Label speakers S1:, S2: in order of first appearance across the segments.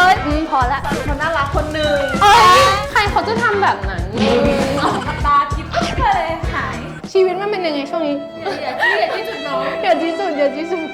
S1: เลยพอละ
S2: คนน่ารักคนหนึ่ง
S1: ใครเขาจะทำแบบนั้น
S2: ตาทิพย์เลยหาย
S1: ชีวิตมันเป็นยังไงช่วงนี้
S2: อย่าที่จุดน้อง
S1: อย่าที่สุดมาทันที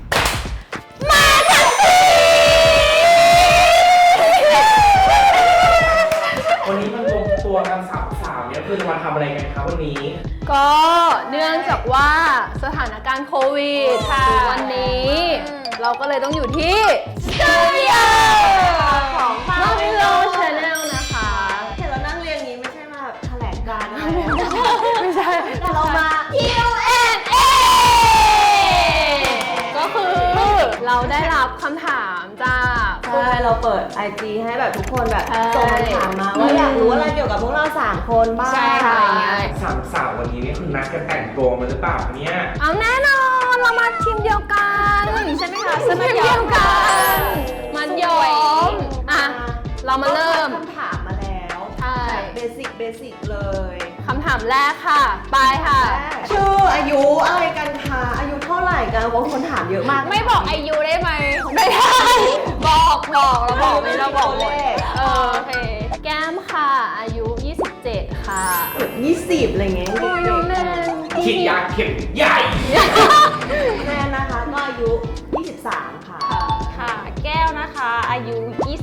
S3: วันนี้มันรวมตัวกันสาวเนี่ยคือจะมาทำอะไรกันครับวันนี้
S1: ก็เนื่องจากว่าสถานการณ์โควิดวันนี้เราก็เลยต้องอยู่ที่สตูดิโอของMarvelo Channel นะคะ
S2: เห็นเรานั่งเรียนนี้ไม่ใช่มาแถลงการอะไร
S1: ไม่ใช่
S2: แต่เรามา
S1: Q&A ก็คือเราได้รับคำถามจาก
S2: ใช่เราเปิด IG ให้แบบทุกคนแบบส่งคำถามมาว่าอยากรู้อะไรเกี่ยวกับพวกเรา3คนบ้างอะไรเงี้ย
S3: สาววันนี้นี่คือนัดกันแต่งตัวมาหรือเปล่าเนี่ย
S1: เอาแน่นอนเรามาทีมเดียวกันใช่ไหมคะทีมเดียวกันมันยอมอ่ะเรามาเริ่ม
S2: คำถามมาแล้ว
S1: ใช่
S2: เบสิกเลย
S1: คำถามแรกค่ะไปค่ะ
S2: ชื่ออายุอะไรกันคะอายุเท่าไหร่กันบางคนถามเยอะมาก
S1: ไม่บอกอายุได้ไหมไม่ได้บอกเราบอกไม่เราบอกหมดโอเคแก้มค่ะอายุ27ค่ะ
S2: 20อะไรเงี้ย
S1: โอ้ยน้องแนน
S3: ฉีดยาเข็มใหญ่
S2: แนนนะคะก็อายุ23ค่ะ
S4: ค่ะแก้วนะคะอายุ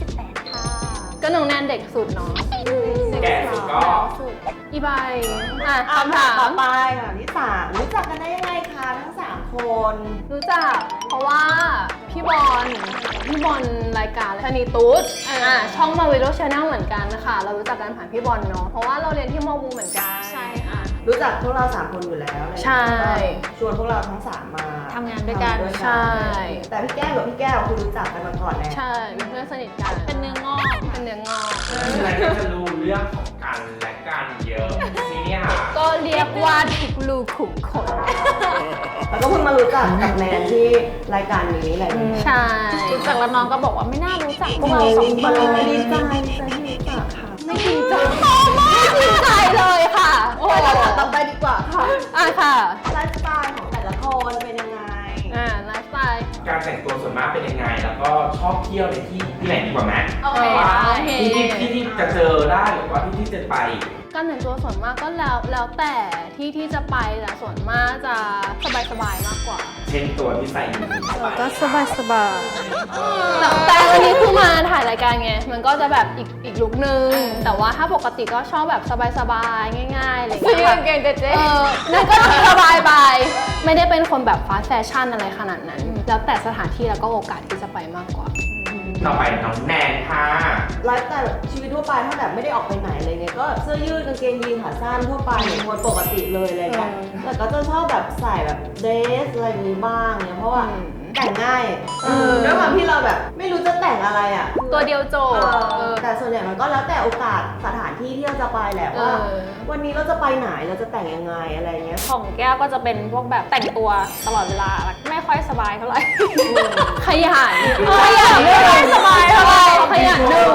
S4: 28ค่ะ
S1: ก็น้องแนนเด็กสุดเนาะ
S3: แก่สุดก็
S1: อีใบคำถาม
S2: ต่อไปค่ะที่3รู้จักกันได้ยังไงคะทั้ง3คน
S1: รู้จักเพราะว่าพี่บอลรายการชนีตุ๊ดช่องMarvelo Channel เหมือนกันนะคะเรารู้จักกันผ่านพี่บอลเนาะเพราะว่าเราเรียนที่มวูเหมือนกัน
S4: ใช่ค่ะ
S2: รู้จักพวกเรา3คนอยู่แล้ว
S1: ใช่
S2: ชวนพวกเราทั้ง3มา
S4: ทำงานด้วยกัน
S1: ใช่
S2: แต่พี่แก้วกับพี่แก้วคือรู้จักกันมาก่อนแล้ว
S1: ใช่เป็นเพื่อนสนิทกัน
S4: เป็นเนื้องอก
S3: ฉะนั้นก็จะรู้เรื่องของกันและกันเยอะทีนี้ค่ะ
S1: ก็เรียกว่าทุกรูขุมขน
S2: แล้วก็เพิ่งมารู้จักกับแนนที่รายการนี้แหละ
S1: ใช่
S4: รู้จักแล้วน้องก็บอกว่าไม่น่ารู้จักพวกเรา2คน
S2: ดีใจที่รู้จักค่ะ
S1: ไม่จริงใจไม่จริงใจเลยค่ะ
S2: ไปเราถามต่อไปดีกว่าค่ะ
S1: ค่ะ
S2: ไลฟ์สไตล์ของแต่ละคนเป็นยังไง
S1: ไลฟ์สไตล์
S3: การแต่งตัวส่วนมากเป็นยังไงแล้วก็ชอบเที่ยวในที่ไหนดีกว่าไหมที่จะเจอได้หรือว่าที่จะไป
S1: การแต่งตัวส่วนมากก็แล้วแต่ที่จะไปแต่ส่วนมากจะสบายมากกว่า
S3: เช่นตัวที่ใส่อยู่
S1: ก็สบายแต่อันนี้คือมาถ่ายรายการไงมันก็จะแบบอีกลุคนึงแต่ว่าถ้าปกติก็ชอบแบบสบายง่ายๆอะไรอย่างเงี้ย
S4: เก่งเจ๊
S1: นั่นก็สบายไปไม่ได้เป็นคนแบบฟาสต์แฟชั่นอะไรขนาดนั้นแล้วแต่สถานที่แล้วก็โอกาสที่จะไปมากกว่า
S3: ต่อไปน้องแนนค่ะ
S2: ไลฟ์สไตล์แบบชีวิตทั่วไปถ้าแบบไม่ได้ออกไปไหนอะไรเงี้ยก็เสื้อยืดกางเกงยีนขาสั้นทั่วไปเหมือนคนปกติเลยอะไรเงี้ยแต่ก็จะชอบแบบใส่แบบเดรสอะไรอย่างงี้บ้างเนี่ยเพราะว่าแต่งง่ายด้วยความที่เราแบบไม่รู้จะแต่งอะไรอ่ะ
S1: ตัวเดียวโจ
S2: แต่ส่วนใหญ่มันก็แล้วแต่โอกาสสถานที่ที่เราจะไปแหละว่าวันนี้เราจะไปไหนเราจะแต่งยังไงอะไรเงี้ย
S4: ของแก้วก็จะเป็นพวกแบบแต่งตัวตลอดเวลาไม่ค่อยสบายเท่าไหร่
S1: ขยัน
S4: ไม่ค่อยสบายเท่าไหร่
S1: ขยันหนึ่ง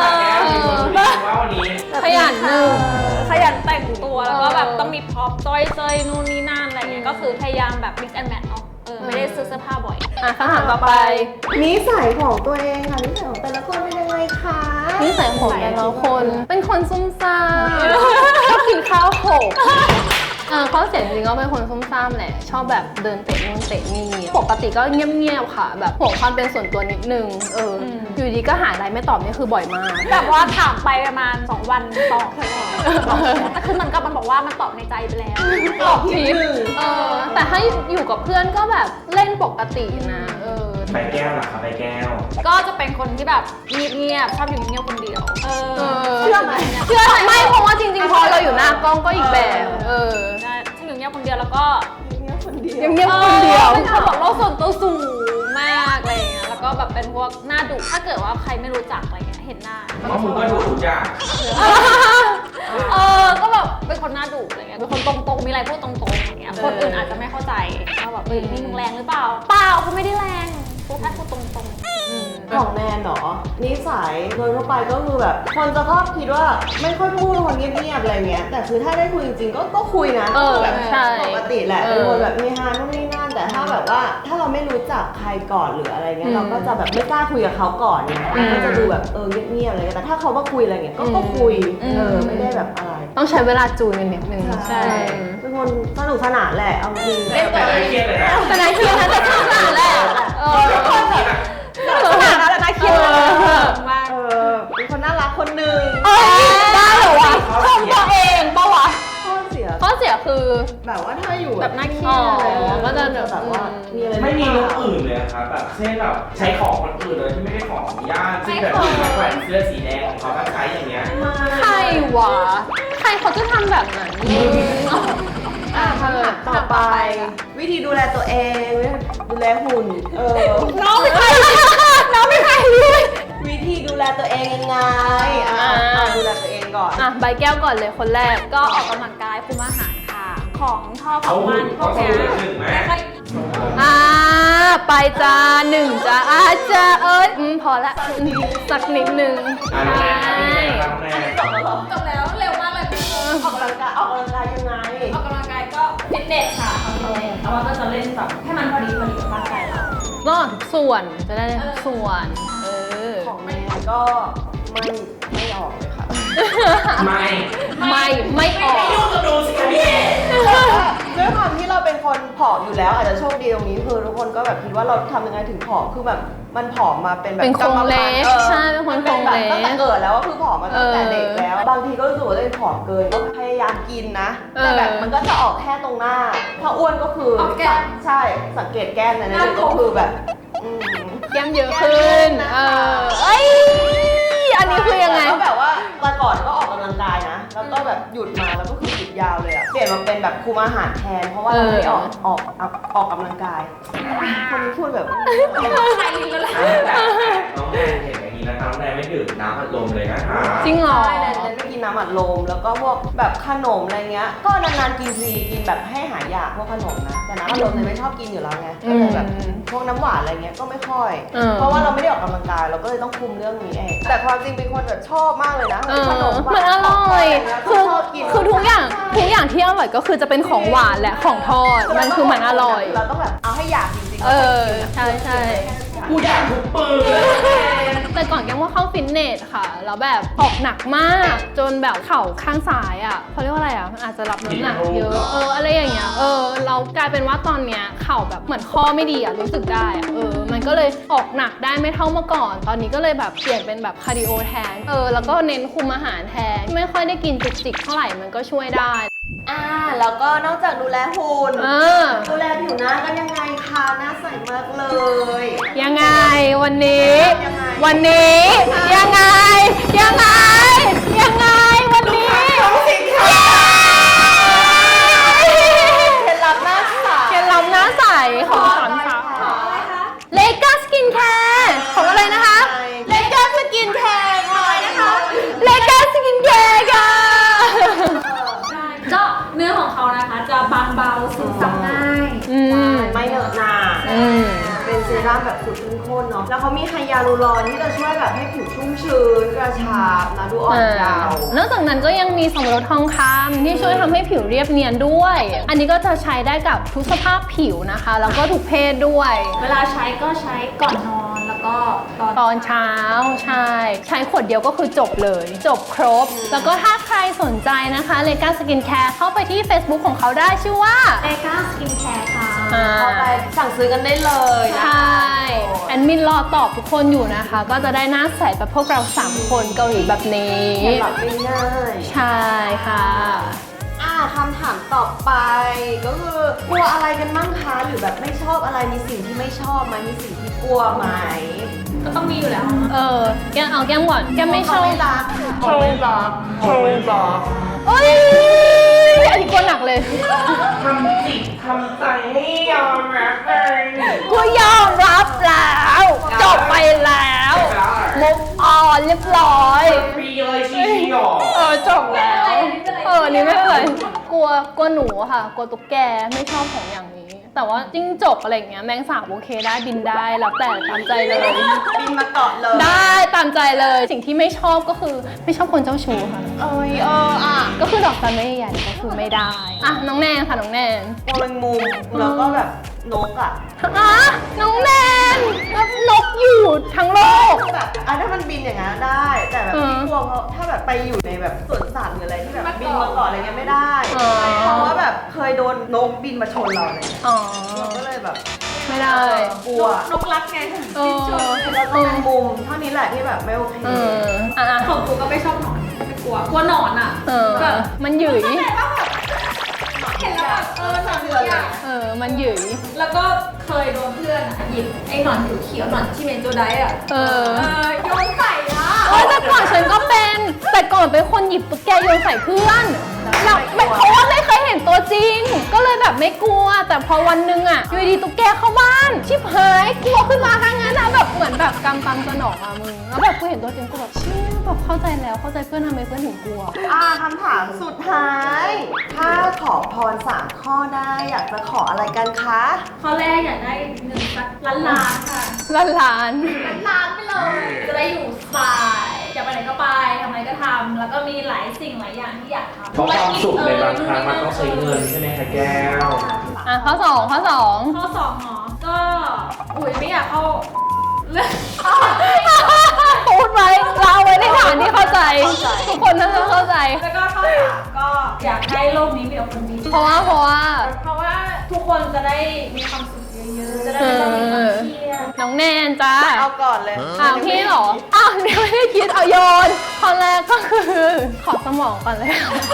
S1: ขยัน
S4: แต่งตัวแล้วก็แบบต้องมีพร็อพจ้อยนู่นนี่นั่นอะไรเงี้ยก็คือพยายามแบบ mix and match เนาะไม่ได้ซื้อเสื้อผ้าบ่อย
S1: คำถามต่อไป
S2: นิสัยของตัวเองค่ะนิสัยของแต่ละคนเป็นยังไงคะ
S1: นิสัยของแต่ละคนเป็นคนซุ่มซ่ามชอบกินข้าวโขกเขาเสียงจริงก็เป็นคนซุ่มซ่ามแหละชอบแบบเดินเตะนู่นเตะนี่ปกติก็เงียบๆค่ะแบบห่วงความเป็นส่วนตัวนิดนึงอยู่ดีก็หาอะไรไม่ตอบนี่คือบ่อยมาก
S4: แบบว่าถามไปประมาณ2 วันตอบแต่คือมันบอกว่ามันตอบในใจไปแล้ว
S2: ตอบทีนึง
S1: แต่ถ้าอยู่กับเพื่อนก็แบบเล่นปกตินะ
S3: ใบแก้วล่ะคะใบแก้ว
S4: ก็จะเป็นคนที่แบบเงียบชอบอยู่เงียบคนเดียว
S1: เชื่อไหมไม่เพราะว่าจริงๆพอเราอยู่หน้ากล้องก็อีกแบบ
S4: ใช่ฉันอยู่เงียบคนเดียวแล้วก็
S1: เงียบคนเดียว
S4: เป็นคนแบบโลกส่วนตัวสูงมากอะไรเงี้ยแล้วก็แบบเป็นพวกหน้าดุถ้าเกิดว่าใครไม่รู้จักอะไรเงี้ยเห็นหน้า
S3: เพราะมึงก็ดุทุกอย่าง
S4: ก็แบบเป็นคนหน้าดุอะไรเงี้ยเป็นคนตรงๆมีอะไรพูดตรงๆอย่างเงี้ยคนอื่นอาจจะไม่เข้าใจว่าแบบนี่มึงแรงหรือเปล่าเขาไม่ได้แรงพูดแค่พูดตรงๆ
S2: ของแนนเหรอนิสัยโดยทั่วไปก็คือแบบคนจะชอบคิดว่าไม่ค่อยพูดคนเงียบๆอะไรเงี้ยแต่คือถ้าได้คุยจริงๆก็คุยนะแบบ
S1: ใช่
S2: ปกติแหละเป็นคนแบบมีฮานู่นนี่นั่นแต่ถ้าแบบว่าถ้าเราไม่รู้จักใครก่อนหรืออะไรเงี้ยเราก็จะแบบไม่กล้าคุยกับเขาก่อนเนี่ยก็จะดูแบบเงียบๆอะไรเงี้ยแต่ถ้าเขามาคุยอะไรเงี้ยก็คุยไม่ได้แบบอะไร
S1: ต้องใช้เวลาจูนกันนิดนึง
S2: ใช่เป็นคนสนุกสนานแหละเอาจริง
S3: แต่ไม่เครียดเลยนะ
S1: แต่นายเครียดนะแต่สนุกสนานแหละทุกคนแบบสนุกสนานนะแต่นายเครียดมาก
S2: เป็นคนน่ารักคนหนึ่ง
S1: ได้เหรอวะชมตัวเองปะวะ
S2: ข้อเสีย
S1: ข้อเสียคือ
S2: แบบว่าถ้าอยู่
S1: แบบน่าเครียดอะไรอย่างเงี้ยก็จะแบบว่า
S2: มีอะไร
S3: ไม่มีเรื่องอื่นเลยครับแบบเช่นแบบใช้ของคนอื่นเลยที่ไม่ได้ของอนุญาตซึ่งแบบมีแขวนเสื้อสีแดงของเขาถ้าใช้อย่างเงี้ย
S1: ใครวะใครเขาจะทำแบบนั้น
S2: ต่อไป วิธีดูแลตัวเองดูแลหุ่น
S1: น้องไม่ใครน้องไม่ใครด้วย
S2: วิธีดูแลตัวเองยังไงดูแลตัวเองก่อน
S1: ใบแก้วก่อนเลยคนแรก
S4: ก็ออกกำลังกายคุมอาหารค่ะ ของทอดข
S3: เขา
S4: อง
S3: หุ่
S4: มัน นพว
S3: เขา
S4: ก
S3: สู
S4: เนี้
S3: ง
S4: ย
S3: ขึ้นไหม
S4: ไม่ค่อย
S1: ไปจ้าหนึ่งจ้าจะพอละสักนิดนึง
S3: อ่า
S1: ใช่
S3: แม่
S2: จบแล้วเหรอ
S4: จบแล้วเร็วมากเลยพี่
S2: ออกกำลังกายยังไง
S4: ออกกำลังกายก็ฟิตเนสค่ะทำฟิตเนสแต่ว่าก็จะเล่นแบบให้มันพอดีกับร่างกายเรา
S1: ก็ทุกส่วนจะได้ทุกส่วน
S2: ของแม่ก็ไม่ออกเลยค่ะ
S3: ไม่
S1: ไม่ออก
S3: ยุ่งกับดูสิคะพี่
S2: ด้วยความที่เราเป็นคนผอมอยู่แล้วอาจจะโชคดีตรงนี้คือทุกคนก็แบบคิดว่าเราทำยังไงถึงผอมคือแบบมันผอมมาเป็นแบบ
S1: เป็นโครงเล็ก
S2: กรรมพันธุ์
S1: ใช่เป็นคนโครงเล็ก
S2: ตั้งแต่เกิดแล้วก็คือผอมมาตั้งแต่เด็กแล้ว บางทีก็รู้สึกว่าตัวเองผอมเกินก็พยายามกินนะแต่แบบมันก็จะออกแค่ตรงหน้า ถ้าอ้วนก็คือใช่สังเกตแก้มในนั้นก็คือแบบ
S1: แก้มเยอะขึ้นอันนี้คือยังไง
S2: ก็แบบว่าแต่ก่อนก็ออกกำลังกายนะ แล้วก็แบบหยุดมาแล้วก็คือหยุดยาวเลยอะเปลี่ยนมาเป็นแบบคุมอาหารแทน เพราะว่าเราไม่ได้ออกกำลังกาย คนนี้พูดแบบ
S4: ใครลิงก็เลย
S3: น้องแนนเห็นอย่างนี้นะคะน้องแนนไม่ดื่มน้ำอัดลมเลยนะคะ
S1: จริงเหรอ
S2: ใช่แนนไม่กินน้ำอัดลมแล้วก็พวกแบบขนมอะไรเงี้ย ก็นานๆกินทีกินแบบให้หายอยากพวกขนมนะ แต่น้ำอัดลมเนี่ยไม่ชอบกินอยู่แล้วไงก็เลยแบบพวกน้ำหวานอะไรเงี้ยก็ไม่ค่อย เพราะว่าเราไม่ได้ออกกำลังกายเราก็เลยต้องคุมเรื่องนี้เองแต่ความจริงเป็นคนแบบชอบมากเลยนะขนมหวาน
S1: มันอร่อย
S2: คือชอบกิน
S1: คือทุกอย่างที่อร่อยก็คือจะเป็นของหวานและของทอด มันคือมันอร่อย
S2: เราต้องแบบเอาให้อยากจริงๆ
S1: ใช่
S3: กูอยากทุกปืน
S1: แต่ก่อนแกว่าเข้าฟิตเนสค่ะ แล้วแบบออกหนักมากจนแบบเข่าข้างซ้ายอ่ะเขาเรียกว่าอะไรอ่ะมันอาจจะรับน้ำหนักเยอะอะไรอย่างเงี้ยเรากลายเป็นว่าตอนเนี้ยเข่าแบบเหมือนข้อไม่ดีอ่ะรู้สึกได้อ่ะมันก็เลยออกหนักได้ไม่เท่าเมื่อก่อน ตอนนี้ก็เลยแบบเปลี่ยนเป็นแบบคาร์ดิโอแทนแล้วก็เน้นคุมอาหารแทนไม่ค่อยได้กินจุกจิกเท่าไหร่มันก็ช่วยได้
S2: แล้วก็นอกจากดูแลหุ่น ดูแลผิวหน้ากันยังไงคะหน้าใสมากเลย
S1: ยังไงวันนี้
S2: ยังไง
S1: วันนี้ยังไงยังไงยังไงวันนี้
S2: เคล็ดลับหน้าใส
S1: เคล็ดลับหน้าใสของสอนค่ะเลก้าสกินแคร์ของอะไรนะคะ
S2: เลก้าสกินแคร์เลยนะคะ
S1: เลก้าสกินแคร์ค่ะ
S4: ก็เนื้อของเขานะคะจะบางเบาซึมซับง่าย
S2: ไม่เหนอะหนาเป็นเซรั่มแบบสูตรเข้มข้นเนาะแล้วเขามีไฮยาลูรอนที่จะช่วยแบบให้ผิวชุ่มชื้นกระชับนะดูอ่อนเยาว์
S1: นอกจากนั้นก็ยังมีสับปะรดทองคำที่ช่วยทำให้ผิวเรียบเนียนด้วย อันนี้ก็จะใช้ได้กับทุกสภาพผิวนะคะ แล้วก็ทุกเพศด้วย
S4: เวลาใช้ก็ใช้ก่อนนอนแล้วก็
S1: ตอนเช้าใช้ขวดเดียวก็คือจบเลย จบครบ แล้วก็ถ้าใครสนใจนะคะเลก้าสกินแคร์เข้าไปที่ Facebook ของเขาได้ชื่อว่า
S4: เลก้าสกินแคร์ค่ะ
S2: เข้าไปสั่งซื้อกันได้เลยนะ
S1: ใช่แอดมินรอตอบทุกคนอยู่นะคะ ก็จะได้หน้าใสแบบพวกเรา 3 คนเกาหลีแบบนี้
S2: เคล็ดลับง่าย
S1: ใช่ค่ะ
S2: คำถามต่อไปก็คือกลัวอะไรกันบ้างคะหรือแบบไม่ชอบอะไรมีสิ่งที่ไม่ชอบไหมมีสิ่งที่กลัวไหม
S4: ก็ต้องมีอยู่แล้ว
S1: แก้มเอาแก้มก่อนแก้มไม่ชอบ
S2: ไม่รัก
S1: เอ้ยอันนี้กลัวหนักเลย
S3: ทำจิตทำใจให้ยอมรับเลย
S1: กูยอมรับแล้วจบไปแล้วมุกออนเรียบร้อย
S3: ฟรีเลยชี้หรอ
S1: จบแล้วนี่ไม่เป็นไรกลัวหนูค่ะ กลัวตุ๊กแกไม่ชอบของอย่างนี้แต่ว่าจิ้งจกอะไรอย่างเงี้ยแมงสาบโอเคได้บินได้แล้วแต่ตามใจเลย
S2: บินมาเกาะเลย
S1: ได้ตามใจเลยสิ่งที่ไม่ชอบก็คือไม่ชอบคนเจ้าชู้ค่ะ ก็คือดอกจันไม่ใหญ่ก็คือไม่ได้อ่ะน้องแนนค่ะน้องแนน
S2: กลัวแมงมุมแล้วก็แบบนกอ่ะ
S1: อ่ะน้องแนนแล้วนกอยู่ทั้งโลก
S2: แบบถ้ามันบินอย่างนั้นได้ แต่แบบที่กลัวเพราะถ้าแบบไปอยู่ในแบบสวนสัตว์หรืออะไรที่แบบบินมาเกาะอะไรเงี้ยไม่ได้ เพราะว่าแบบเคยโดนนกบินมาชนเราอะไรเงี้ย
S1: อ๋อ
S2: เราก็เลยแบบ
S1: ไม่ได้
S2: กลัวน
S4: กรักไง
S1: เออ
S2: แล้วก็แมงมุมเท่านี้แหละที่แบบไม่โอเค
S1: เอออ่ะ
S4: ของกูก็ไม่ชอบหนอนไม่กลัวหนอนอ่ะ
S1: เออมันหยุย
S4: เห็นแล้วแบบหนอนเดือดอ่ะ
S1: มันหยุย
S4: แล้วก็เคยโดนเพื่อนอ่ะหยิบไอ้หนอนเขียวๆหนอนที่เมนโจไดอ่ะ โยนใส่ละ
S1: โอ้ยแต่ก่อนฉันก็เป็น แต่ก่อนเป็นคนหยิบตุ๊กแกโยนใส่เพื่อนแล้วเพราะว่าไม่เคยเห็นตัวจริง ก็เลยแบบไม่กลัว แต่พอวันหนึงอ่ะอยู่ดีตุ๊กแกเข้าบ้าน ชิบหายกลัวขึ้นมาทั้งนั้นนะแบบเหมือนแบบกำตำสนองอะมึง แล้วแบบกูเห็นตัวจริงกูแบบเชี่ยแบบเข้าใจแล้วเข้าใจเพื่อนทำไมเพื่อนถึงกลัว
S2: คำถามสุดท้าย ถ้าขอพร3 ข้อได้อยากจะขออะไรกันคะ
S4: ข้อแรกอยากได้เงินสักล้านค่ะ
S1: ล้าน
S4: ล้านไปเลย จะได้อยู่สบายอยากไปไหนก็ไปทำอะไรก็ทำแล้วก็มีหลายสิ่งหลายอย่างที่อยากทำ
S3: เพราะความสุขในบางครั้งมันต้องใช้เงินใช่ไหมคะแก้ว
S1: อ่ะข้อสอง
S4: ข้อ2หรอก็ไม่อยากเข้าเรื่อง
S1: พูดไว้เราไว้ในฐานที่เข้าใจ ทุกคนน่าจะเข้าใจ
S4: แล้วก็ข้อ3ก็อยากให้โลกนี้มีแต่คนดี
S1: เพราะว่า
S4: เพราะว่าทุกคนจะได้มีความสุขเยอะๆจะได้ไม่ต้องมีความเครียด
S1: น้องแนนจ้า
S2: เอาก่อนเลย
S1: อ้าวพี่เหรออ้าวเดี๋ยวไม่ได้คิดเอาโยนข้อแรกก็คือขอสมองก่อนเลย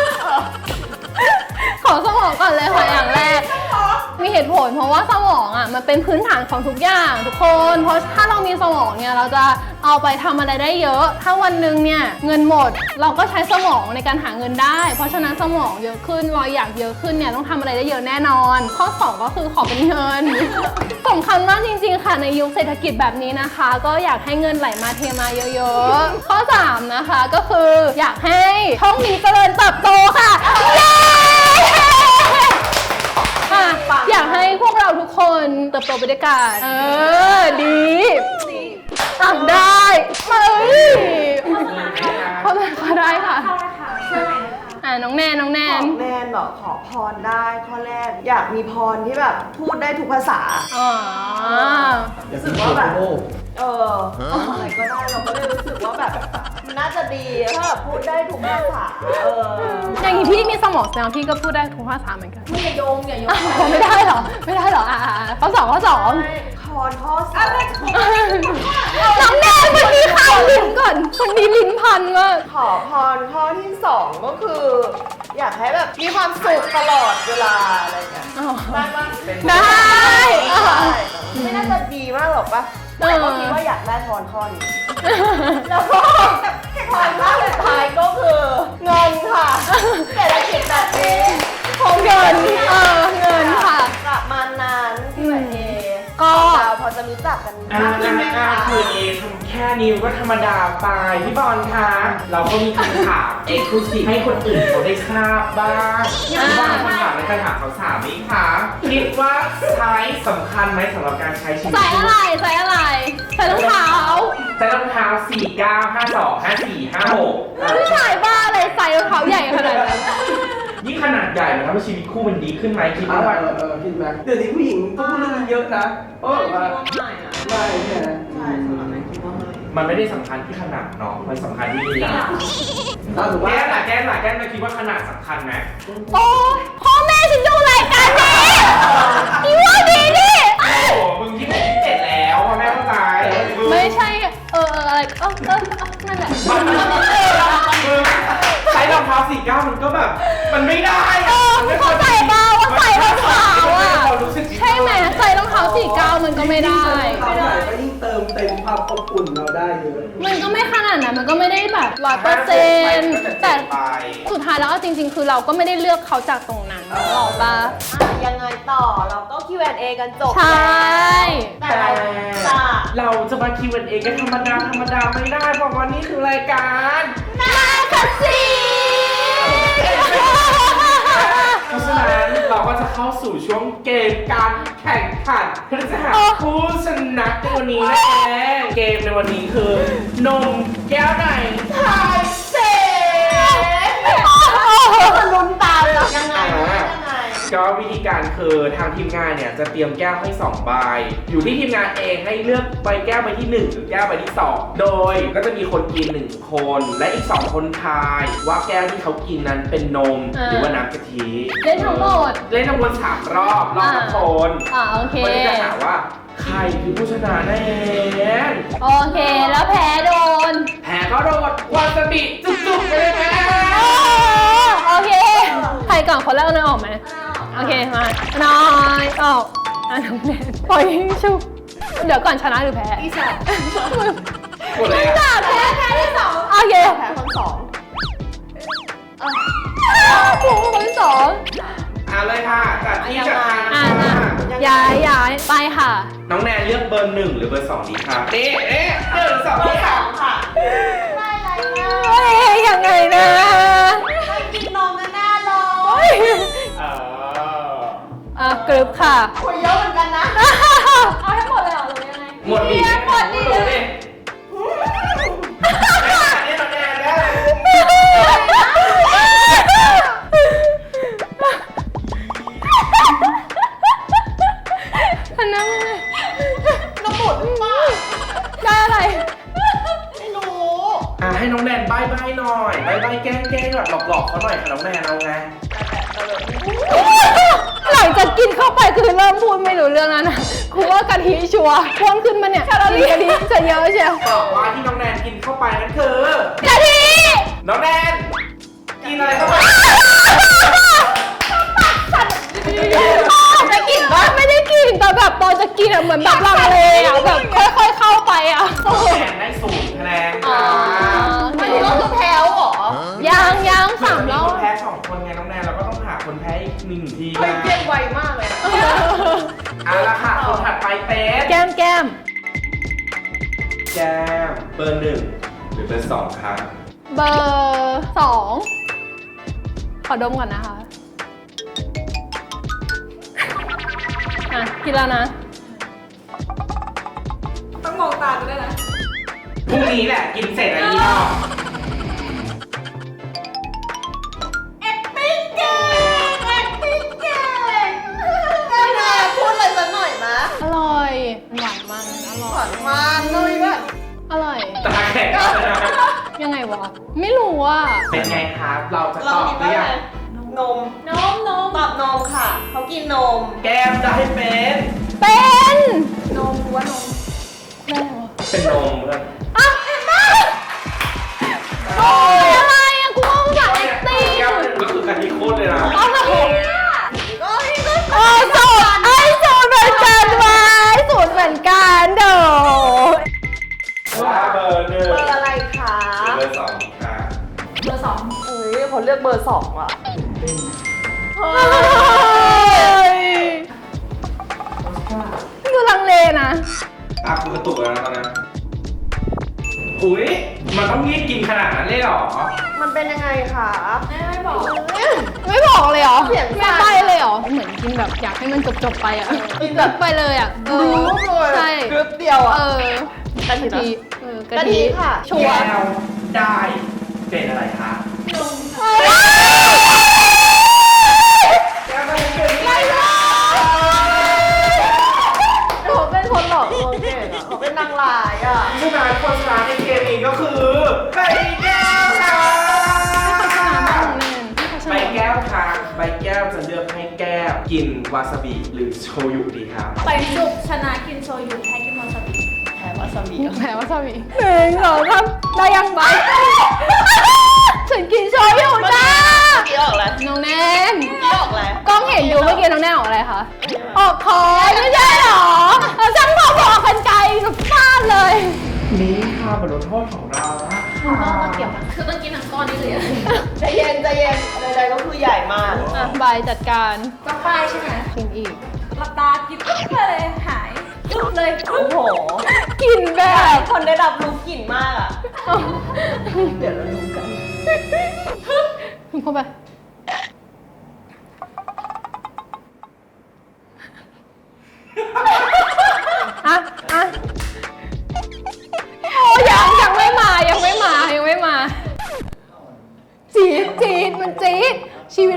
S1: ขอสมองก่อนเลยค่ะอย่างแรก มีเหตุผลเพราะว่าสมองอ่ะมันเป็นพื้นฐานของทุกอย่างทุกคน เพราะถ้าเรามีสมองเนี่ยเราจะเอาไปทำอะไรได้เยอะ ถ้าวันหนึ่งเนี่ยเงินหมดเราก็ใช้สมองในการหาเงินได้ เพราะฉะนั้นสมองเยอะขึ้นรอยอยากเยอะขึ้นเนี่ยต้องทำอะไรได้เยอะแน่นอน ข้อ2ก็คือขอเป็นเงิน สำคัญมากจริงๆค่ะในยุคเศรษฐกิจแบบนี้นะคะ ก็อยากให้เงินไหลมาเทมาเยอะๆ ข้อ3นะคะก็คืออยากให้ช่องนี้เจริญเติบโตค่ะเย้ อยากให้พวกเราทุกคนเติบโตไปด้วยกันดีทำได้เฮ้ยเขาได้ค่ะ
S4: เข้าเลยค่ะช่วยหน่อยนะคะ
S1: น้องแนน
S2: ขอแนนเหรอขอพรได้ข้อแรกอยากมีพรที่แบบพูดได้ทุกภาษา
S1: อ๋อ
S2: รู้สึกว่าแบบอะไรก็ได้เราก็เลยรู้สึกว่าแบบมันน่าจะดีถ้าแบบพูดได้ทุกภาษา
S1: อย่างนี้พี่มีสมองแสดงพี่ก็พูดได้ทุกภาษาเหมือนกัน
S4: อย่าโยง
S1: ไม่ได้เหรอข้อ2
S2: พรข้อสอง
S1: น้องแนนมันมีข้าวลิ้นก่อนคนนี้ลิ้นพันมาก
S2: ขอพรข้อที่ 2 ก็คือ อยากให้แบบมีความสุขตลอดเวลาอะไรอย่างเงี้ยได้ปะ
S1: ได้
S2: ไม่น่าจะดีมากหรอกปะแต่ก็คิดว่าอยากได้พรข้อนี้แล้วก็พรข้อสุดท้ายก็คือเงินค่ะเศรษฐกิจแบบนี้
S1: เงินค่ะ
S2: ประมาณนั้นพี่แหวนเอ
S1: ก็
S2: เราพอจะรู้จักกันมากขึ้นไหมคะ
S3: คือเอทำแค่นิ้วก็ธรรมดาไปพี่บอลคะเราก็มีคำถามเอกซ์คลูซีฟให้คนอื่นเขาได้ทราบบ้างพี่บอลคำถามในการถามเขาถามไหมคะคิดว่าใช้สำคัญไหมสำหรับการใช้ชีวิต
S1: ใส่อะไรใส่รองเท้า
S3: ใส่รองเท้า4 9 5 2 5 4 5 6
S1: ผู้ชายบ้าอะไรใส่รองเท้าใหญ่ขนาดนั้น
S3: ยิ่งขนาดใหญ่มันทำให้ชีวิตคู่มันดีขึ้นไหมคิดว่า
S5: คิดไหมเดี๋ยวนี้ผู้หญิงก็พูดเรื่องนี้เยอะนะเพราะแบบว่า
S2: ไม่นะ
S5: ไม่เนี่ยนะ
S2: ใช่สำหรับแม่คิดว่าไม่
S3: มันไม่ได้สำคัญที่ขนาดเนาะมันสำคัญที่ลีลา
S5: ถ้าถือว่า
S3: แก้มมาคิดว่าขนาดสำคัญไหม
S1: โอ้พ่อแม่ฉันดูรายการนี้อีว่าดีดิ
S3: โอ้โหมึงที่ผมที่7แล้วพ่อแม่เข้าใจ
S1: ไม่ใช่อะไรนั่นแหละ
S3: มึงใช้รองเท้า49มันก็แบบ มันไม่ได้มันไม่
S1: เข้าใจเปล่าว่าใส่รองเท้าอ่ะ
S3: เรารู้สึก
S1: ใช่ไหมใส่รองเท้า49มันก็ไม่ได้
S5: ความใหญ่ก็ยิ่งเติมเต็มความอบอุ่นเราได้เยอะ
S1: มันก็ไม่ขนาดนั้นมันก็ไม่ได้แบบ100%แต่สุดท้ายแล้วจริงๆ คือเราก็ไม่ได้เลือกเขาจากตรงนั้นหรอกปะ
S2: ยังไงต่อเราก็ Q&A กันจบ
S1: ใช่
S2: แต่เราจะ
S3: เราจะมา Q&A กันธรรมดาไม่ได้เพราะว่านี่คือรายการ
S1: นาคาซี
S3: เพราะฉะนั้นเราก็จะเข้าสู่ช่วงเกมการแข่งขันเพื่อจะหาผู้ชนะในวันนี้นะเกมในวันนี้คือนมแก้วไหนทายเสร็จ
S2: มันลุ้นตามเหรอยังไงยังไง
S3: ก็วิธีการคือทางทีมงานเนี่ยจะเตรียมแก้วให้2ใบอยู่ที่ทีมงานเองให้เลือกใบแก้วใบที่1หรือแก้วใบที่2โดยก็จะมีคนกิน1คนและอีก2คนทายว่าแก้วที่เขากินนั้นเป็นนมหรือว่าน้ำกะทิ
S1: เล่นทั้งหมด
S3: เล่นทั้งหมด3รอบละคน
S1: โอเค
S3: วันนี้จะถามว่าใครคือผู้ชนะแน่
S1: โอเค แล้วแพ้โดน
S3: แพ้ก็โดนวาซาบิจุกๆไปเลยแม่
S1: โอเค ใครก่อนคนแรกเอาเนยออกไหมโอเค มาน้อยออกน้องแนนปล่อยชุบเดี๋ยวก่อนชนะหรือแพ้อีสาน
S3: หมดเลยอะ
S1: แพ้ที่สองโอเค
S2: แพ้คนสอง
S1: ถูกคนที่สอง
S3: เลยค่ะจัดที่จัดทางนะคะ
S1: ย้ายไปค่ะ
S3: น้องแนนเลือกเบอร์1หรือเบอร์2ดีครับนี่1 2ดีค่ะ
S2: ค่ะได้อะไรนะ
S1: เฮ้ยยังไงนะ
S2: ไม่กินนมกันแน่เลย
S1: กรึบค่ะ
S2: คนเยอะเหมือนกันนะ
S4: เอาให้หมดเลยเหรอหรือยังไง
S3: หมดดิ
S4: หมดดิ
S3: หมดดินี่น้องแนนได้เลย
S1: อันนั้น
S2: น้ำหมดหรือเปล่า
S1: ได้อะไร
S2: ไม่รู้
S3: ให้น้องแนนใบ้หน่อยใบ้แกล้งแบบหลอกเขาหน่อยค่ะน้องแนนเอาไง
S1: หลังจากกินเข้าไปคือเริ่มพูดไม่รู้เรื่องแล้วนะครูว่ากะทิชัวร์พ่วงขึ้นมาเนี่ยกินกะทิจะเยอะเชียว
S3: ตอบว่าที่น้องแนนกินเข้าไปนั่นคือก
S1: ะทิ
S3: น้องแนนกินอะไรเข้าไป
S1: ไม่กินปะไม่ได้กินแต่แบบตอนจะกินอะเหมือนแบบลังเลอะแบบค่อยๆเข้าไปอะ
S3: น้องแนนได้0คะแนนค่ะ
S2: ไม่รู้ว่าคือแพ้เหรอ
S1: ยังสามรอ
S3: ค
S1: บ
S3: นแพ้2คนไงน้องแนนเราก็ต้องหาคนแพ้อีก1ที
S2: เฮ้ยเกมไวมากเลย
S3: เอาละค่ะคนถัดไปเป็น
S1: แก้ม
S3: แก้มเบอร์1หรือเบอร์2ครับ
S1: เบอร์2ขอดมก่อนนะคะกินแล้วนะ
S4: ต้องมองตาดูด้วยนะ
S3: พรุ่งนี้แหละกินเสร็จแล้วยี่ห้อ
S2: acting เก่ง acting เก่งไม่น่าพูดอะไรสักหน่อยมะ
S1: อร่อยหวานมันอร่
S2: ห
S1: อ
S2: วาย นมันเลยแบบ
S1: อร่อย
S3: ตาแข็งแล้วนะ
S1: ยังไงวะ ไม่รู้ว่า
S3: เป็นไงครับ เราจะ
S2: เรา
S3: ตอบ
S2: คิด
S3: หรื
S2: ว่า
S3: อ
S2: อะ
S3: ยั
S2: ไรง นม
S4: นม
S2: ตอบนมค่ะ เขากินนม
S3: แก้มจะให้เป็น
S1: เป็น
S4: นมรู้ว่านม
S1: ได้เหรอ
S3: เป็นนมเพื่อน
S1: อ่ะเห็นปะโอ้ยอะไรอ่ะกูว่าภาษาเอ็กซ์ตี
S3: แก้มก็คือกะทิโคตรเลยนะ
S1: เอาละผม
S2: ก็นี่ก็
S1: โอ้ยสูตรไอ้สูตรเหมือนกันวะไอ้สูตรเหมือนกันเด้อ
S3: ว่าเบอร์1
S2: เบอร์อะไรคะ
S3: เบอร์2ค่ะ
S4: เบอร์
S2: เอ้ยเขาเลือกเบอร์สองว่ะ
S1: เฮ้ยดูลังเลนะ
S3: กูกระตุกแล้วนะตอนนั้นอุ้ยมันต้องรีบกินขนาดนั้นเลยเหรอ
S2: มันเป็นยังไงคะ
S4: 2ไม่บอก
S1: ไม่บอกเลยเหรอ
S2: เสียงสั่
S1: ไม่
S2: น
S1: ไปเลยเหรอ เหมือนกินแบบอยากให้มันจบๆไปอ่ะแบบไปเลยอ่ะ
S2: รู้เลย
S1: ใช่
S2: กรึ๊บเดียวอ่ะ
S1: กะทิ
S2: กะทิค่ะ
S1: ชัวร์
S3: แก้วได้เป็นอะไรคะ แก้วได้เป็นอะไรคะ
S2: เขาเป็นคนหลอกลวงเก่งอ่ะเขาเป็นนางร้ายอ่ะ
S3: ผู้ชนะคนชนะในเกมนี้ก็คือใบแก้วค่ะใบแก้วค่ะใบแก้วจะเลือกให้แก้วกินวาซาบิหรือโชยุดีครับ
S4: ไปจุกชนะกินโชยุแพ้กินวาซาบิ
S2: แพ้วาซาบิ
S1: แพ้วาซาบิ1 2 3ได้ยังบ้าฉันกินโชยุจ้า
S2: กี่ออกแล้ว
S1: น้องแนน
S2: กี่ออกแล้ว
S1: กล้องเห็นอยู่เมื่อกี้น้องแนนออกอะไรคะ ออกคอยไม่ใช่หรอเราช่างพอบอกกันไกลกับฟาดเลย
S3: นี่ค่ะบทลงโทษของเรานะ
S4: คือต้องกินทั้งก้อนนี้เลยอะ
S2: ใจเย็นใจเย็นใดๆก็คือใหญ่มาก
S1: อ่ะบายจัดการ
S4: ต้องป้ายใช่ไหม
S1: กินอีก
S4: หลับตากินปุ๊บเลยหายปุ๊บเลย
S2: โอ้โห
S1: กินแบบ
S2: คนได้รับรู้กลิ่นมากอ่ะ เดี๋ยวเราดูกัน
S1: เข้าไป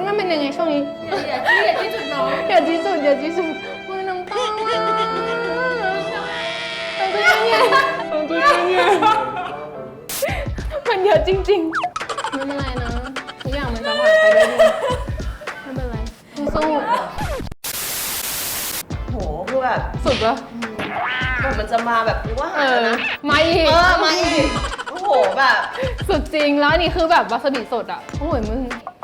S1: มันเป็นยังไงช่วงนี้
S4: อย่าที่จุดน้อง
S1: อย่าที่สุดอย่าที่สุดมือน้ำตาอ่ะมันเป็นยังไงมันเยอะจริงๆไม่เป็นไรนะทุกอย่างมันจะผ่านไปได้ดีไม่เป็นไรสู้
S2: โหคือแบบ
S1: ๆสุดปะ
S2: แบบมันจะมาแบบว่า
S1: มาอีก
S2: มาอีกโอ้โหแบบ
S1: สุดจริงแล้วอันนี่คือแบบวาซาบิสดอ่ะโอ้ยมึง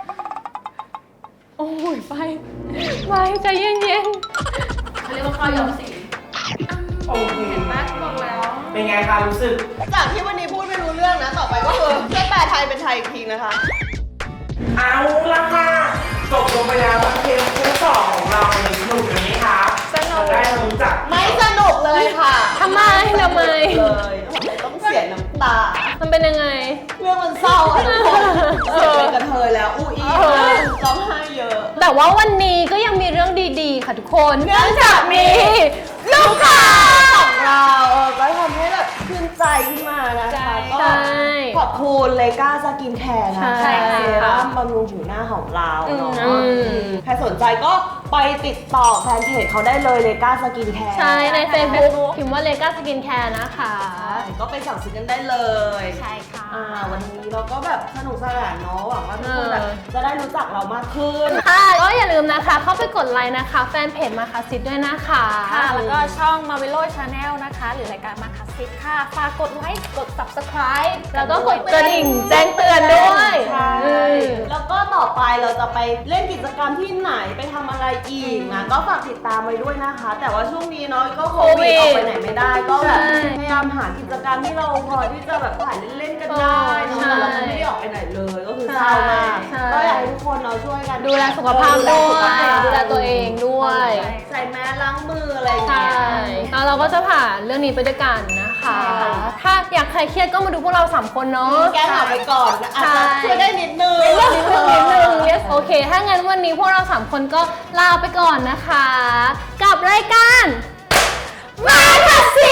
S1: โอ้ยไปใจเย็น
S4: เขาเรียกว่าข้าวยอมสี
S3: โอเค
S4: แม็กบอกแล้ว
S3: เป็นไงคะรู้สึก
S2: จากที่วันนี้พูดไม่รู้เรื่องนะ ต่อไปก็คือช่วยแปลไทยเป็นไทยอีกทีนะคะ
S3: เอาละค่ะจบลงไปแล้วกับเกมคู่สองของเราในสนุกนี้ค่ะได้รู้จัก
S2: ไม่สนุกเลยค่ะ
S1: ๆทำไม
S2: เลยต้องเสียน้ำตา
S1: มันเป็นยังไง
S2: เรื่องมันเศร้าอะทุกคนเป็นกระเทยแล้วอู้อี้ร้องไห้เยอะ
S1: แต่ว่าวันนี้ก็ยังมีเรื่องดีๆ ค่ะทุกคนเนื่องจากมีลูกค้า
S2: ของเราก็ทำให้แบบชื่นใจขึ้นมานะคะก็
S1: ใช่
S2: ขอบคุณเลก้าสกินแคร์นะ
S1: ใช่
S2: คะ
S1: ค่ะ
S2: เซรั่มบำรุงผิวหน้าของเราเนาะ
S1: อืม
S2: ใครสนใจก็ไปติดต่อแฟนเพจเขาได้เลยเลก้าสกินแคร์
S1: ใช่ใน Facebook พิมพ์ว่าเลก้าสกินแคร์นะคะ
S2: ก็ไปสั่งซื้อกันได้เลย
S4: ใช่ค่ะ
S2: วันนี้เราก็แบบสนุกสนานเนาะหวังว่าทุกคนแบบจะได้รู้จักเรามากขึ้น
S1: ค่ะก็อย่าลืมนะคะ เข้าไปกดไลค์นะคะ แฟนเพจมาคาซิดด้วยนะคะ
S4: ค่ะ แล้วก็ช่อง Marvelo Channel นะคะ หรือรายการมาคัสซิตค่ะ ฝากกดไลค์ กด subscribe
S1: แล้วก็กดกระดิ่งแจ้งเตือนด้วย
S2: ใช่
S1: อืม
S2: แล้วก็ต่อไปเราจะไปเล่นกิจกรรมที่ไหนไปทำอะไรอีกนะก็ฝากติดตามไว้ด้วยนะคะ แต่ว่าช่วงนี้เนาะก็โควิดออกไปไหนไม่ได้ก็แบบพยายามหากิจกรรมที่เราพอที่จะแบบถ่ายเล่นๆกันได้เนอะแต่เราก็ไม่ได้ออกไปไหนเลยก็คือเศร้ามากก็อยากให้ทุกคนเราช่วยกัน
S1: ดูแลสุขภาพด้วยดูแลตัวเองด้วย
S2: ใส่แมสล้างมืออะไรอย่าง
S1: ใช่
S2: เงี้ย
S1: แล้วเราก็จะผ่านเรื่องนี้ไปด้วยกันนะคะ
S2: ใช่
S1: ถ้าอยากใครเครียดก็มาดูพวกเรา 3 คนเนาะ
S2: แก้เหงาไปก่อนอาจจะช่วยได้นิดนึง
S1: นิดนึง yes โอเค ถ้างั้นวันนี้พวกเรา 3 คนก็ลาไปก่อนนะคะ กับรายการมาคัสซิ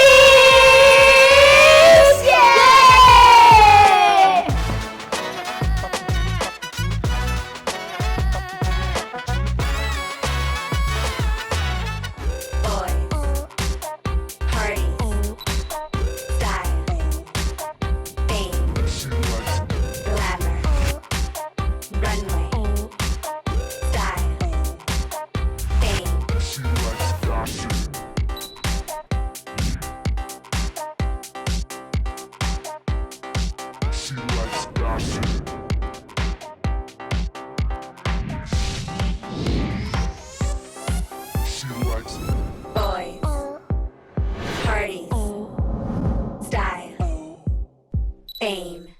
S1: สเย้
S6: Boys, party, style, fame, glamour, runway, style, fame. Boys, party, style, fame.